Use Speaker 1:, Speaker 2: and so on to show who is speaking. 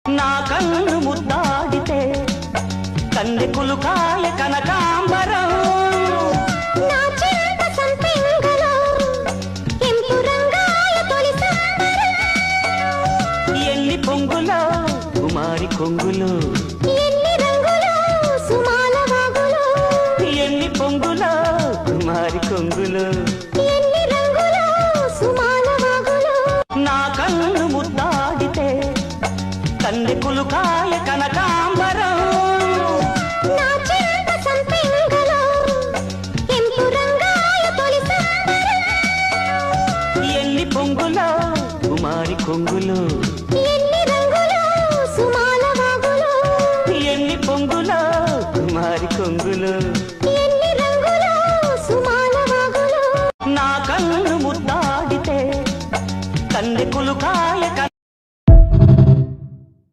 Speaker 1: నా కన్ను ముద్దాడితే కందె కులుకాయ కనకాంబరం
Speaker 2: నా చెంత సంపెంగలో ఎంపు రంగాయ తొలి సంబరం
Speaker 1: ఎన్ని పొంగులో కుమారి కొంగులో
Speaker 2: ఎన్ని రంగులో సుమాల వాగులో
Speaker 1: ఎన్ని పొంగులో కుమారి కొంగులో
Speaker 2: ఎన్ని రంగులో సుమాల వాగులో
Speaker 1: నా కన్ను ముద్దాడితే కందె కులుకాయ కనకాంబరం